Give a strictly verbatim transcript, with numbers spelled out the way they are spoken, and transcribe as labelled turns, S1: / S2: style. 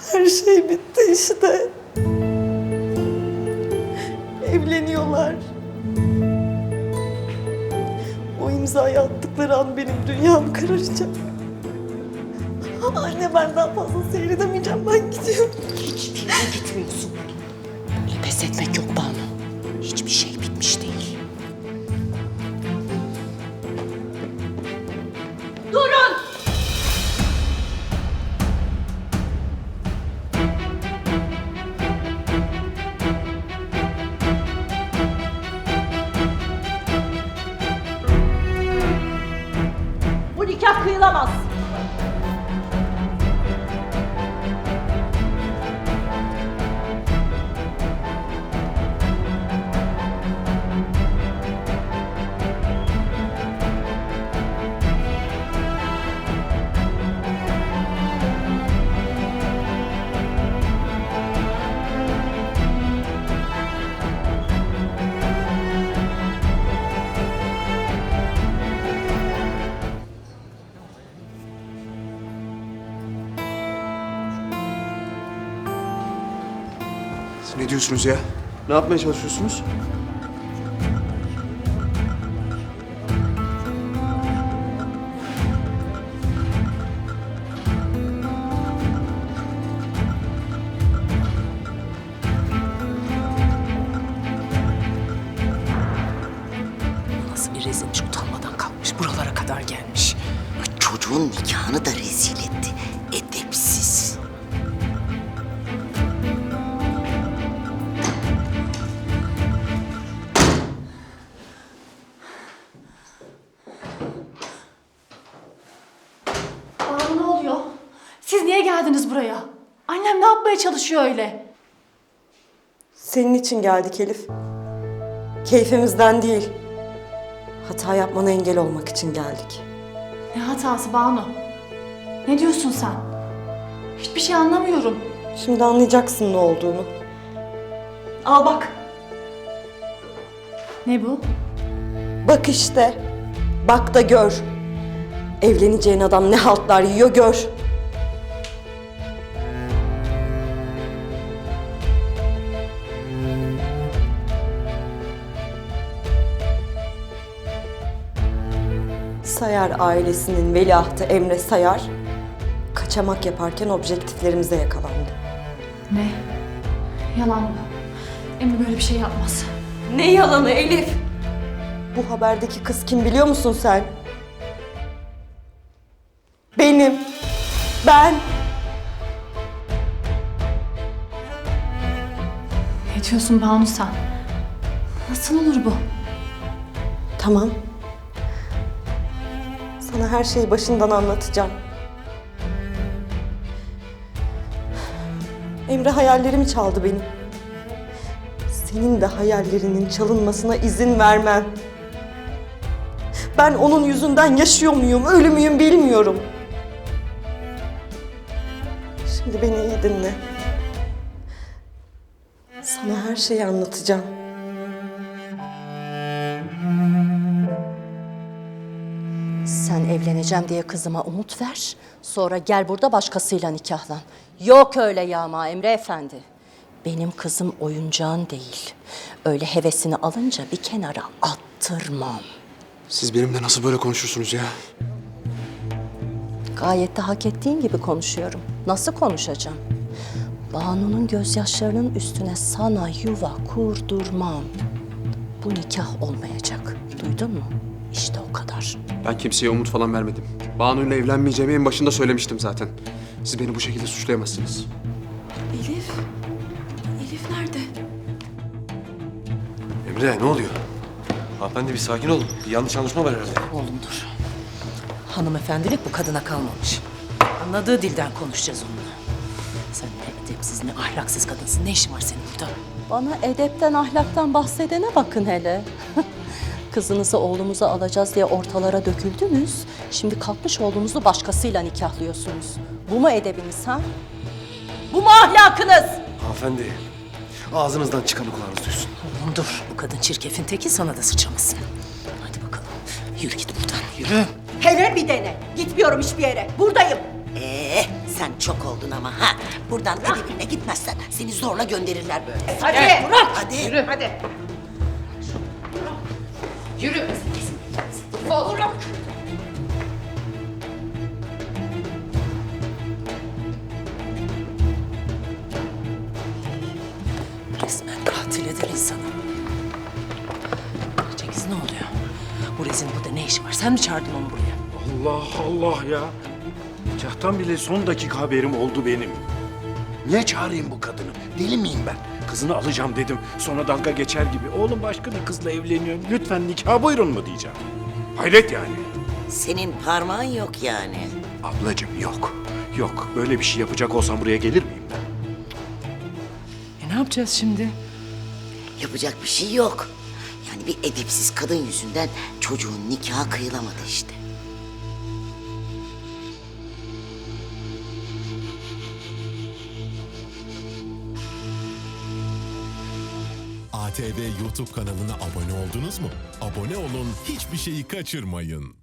S1: Her şey bitti işte. Evleniyorlar. O imzayı attıkları an benim dünyam kararacak. Anne ben daha fazla seyredemeyeceğim. Ben gidiyorum.
S2: Hiçbir yere gitmiyorsun. Böyle pes etmek yok Banu. Hiçbir şey bitmiş değil. Durun! Bu nikah kıyılamaz.
S3: Siz ne diyorsunuz ya? Ne yapmaya çalışıyorsunuz?
S2: Nasıl bir rezilmiş, utanmadan kalkmış, buralara kadar gelmiş.
S4: Çocuğun nikahını da rezil etti. Edepsiz.
S5: Bana ne oluyor? Siz niye geldiniz buraya? Annem ne yapmaya çalışıyor öyle?
S1: Senin için geldik Elif. Keyfimizden değil. Hata yapmana engel olmak için geldik.
S5: Ne hatası Banu? Ne diyorsun sen? Hiçbir şey anlamıyorum.
S1: Şimdi anlayacaksın ne olduğunu.
S5: Al bak. Ne bu?
S1: Bak işte. Bak da gör. Evleneceğin adam ne haltlar yiyor gör. Sayar ailesinin veliahtı Emre Sayar, kaçamak yaparken objektiflerimize yakalandı.
S5: Ne? Yalan bu. Emre böyle bir şey yapmaz.
S1: Ne yalanı Elif? Bu haberdeki kız kim biliyor musun sen? Benim. Ben.
S5: Ne diyorsun Banu sen? Nasıl olur bu?
S1: Tamam. Sana her şeyi başından anlatacağım. Emre hayallerimi çaldı benim. Senin de hayallerinin çalınmasına izin vermem. Ben onun yüzünden yaşıyor muyum, ölü müyüm bilmiyorum. Şimdi beni iyi dinle. Sana her şeyi anlatacağım.
S2: Sen evleneceğim diye kızıma umut ver. Sonra gel burada başkasıyla nikahlan. Yok öyle yağma Emre Efendi. Benim kızım oyuncağın değil. Öyle hevesini alınca bir kenara attırmam.
S3: Siz benimle nasıl böyle konuşursunuz ya?
S2: Gayet de hak ettiğin gibi konuşuyorum. Nasıl konuşacağım? Banu'nun gözyaşlarının üstüne sana yuva kurdurmam. Bu nikah olmayacak. Duydun mu? İşte o kadar.
S3: Ben kimseye umut falan vermedim. Banu'yla evlenmeyeceğimi en başında söylemiştim zaten. Siz beni bu şekilde suçlayamazsınız.
S5: Elif? Elif nerede?
S6: Emre ne oluyor? Hanımefendi bir sakin olun. Bir yanlış anlaşma var herhalde.
S2: Oğlum dur. Hanımefendilik bu kadına kalmamış. Anladığı dilden konuşacağız onunla. Sen ne edepsiz ne ahlaksız kadınsın. Ne işin var senin burada? Bana edepten ahlaktan bahsedene bakın hele. Kızınızı oğlumuza alacağız diye ortalara döküldünüz. Şimdi kalkmış oğlumuzu başkasıyla nikahlıyorsunuz. Bu mu edebiniz ha? Bu mu ahlakınız?
S6: Hanımefendi ağzınızdan çıkanı kulağınız duysun.
S2: Oğlum dur. Bu kadın çirkefin teki, sana da sıçramasın. Hadi bakalım. Yürü git buradan. Yürü. Hele bir dene. Gitmiyorum hiçbir yere. Buradayım.
S4: Ee, Sen çok oldun ama ha. Buradan edebinle gitmezsen seni zorla gönderirler böyle.
S2: Hadi. Murat.
S4: Hadi.
S2: Yürü. Hadi. Yürü. Olur. Resmen katil eder insanı. Cengiz ne oluyor? Bu rezilin burada ne işi var? Sen mi çağırdın onu buraya?
S7: Allah Allah ya. Nikahtan bile son dakika haberim oldu benim. Niye çağırayım bu kadını? Deli miyim ben? Kızını alacağım dedim. Sonra dalga geçer gibi. Oğlum başka bir kızla evleniyor. Lütfen nikah buyurun mu diyeceğim. Hayret yani.
S4: Senin parmağın yok yani.
S7: Ablacığım yok. Yok. Böyle bir şey yapacak olsam buraya gelir miyim ben?
S2: E ne yapacağız şimdi?
S4: Yapacak bir şey yok. Yani bir edepsiz kadın yüzünden çocuğun nikahı kıyılamadı işte.
S8: A T V YouTube kanalına abone oldunuz mu? Abone olun, hiçbir şeyi kaçırmayın.